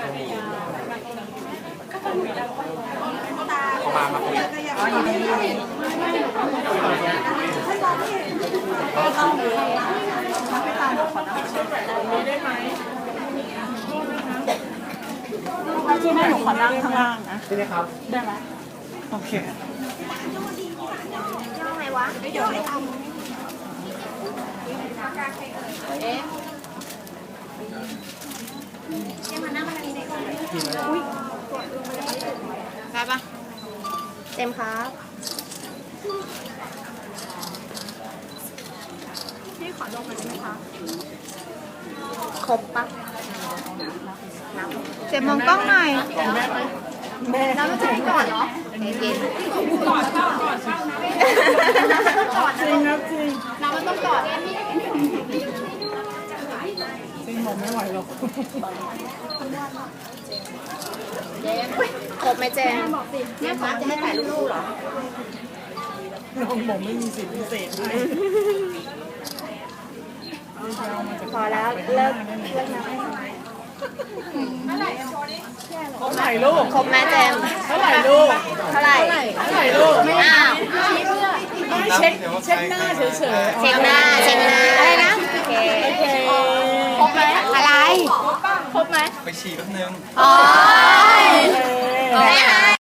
มาคุยอ๋ออยู่นี่ก็ต้องไม่ตามขอได้ไหมที่ให้หนูขอนั่งข้างล่างนะใช่ไหมครับได้ไหมโอเคย่อไงวะไม่ย่อไอ้ตั้มเอ๊ะยังมานั่งมาทางนี้ได้ก่อนอุ้ยได้ปะเต็มครับพี่ขอลงหน่อยได้ไหมคะครบปะเจมมองกล้องหน่อยเราไม่ใช่ก่อนเหรอเย็นก่อนก่อนจริงครับจริงน้ำมันต้องก่อนจริงผมไม่ไหวหรอกเจมครบไหมเจมเนี่ยฟ้าจะให้ถ่ายรูปๆเหรอน้องผมไม่มีสิทธิ์พิเศษให้พอแล้วเลิกนะเท่าไหร่ลูกครบไหมเจมเท่าไหร่ลูกเท่าไหร่ลูกไม่อ้าวไม่เช็คหน้าเฉยๆเช็คหน้าอะไรนะโอเคครบไหมอะไรครบไหมไปฉี่แป๊บนึงอ๋อ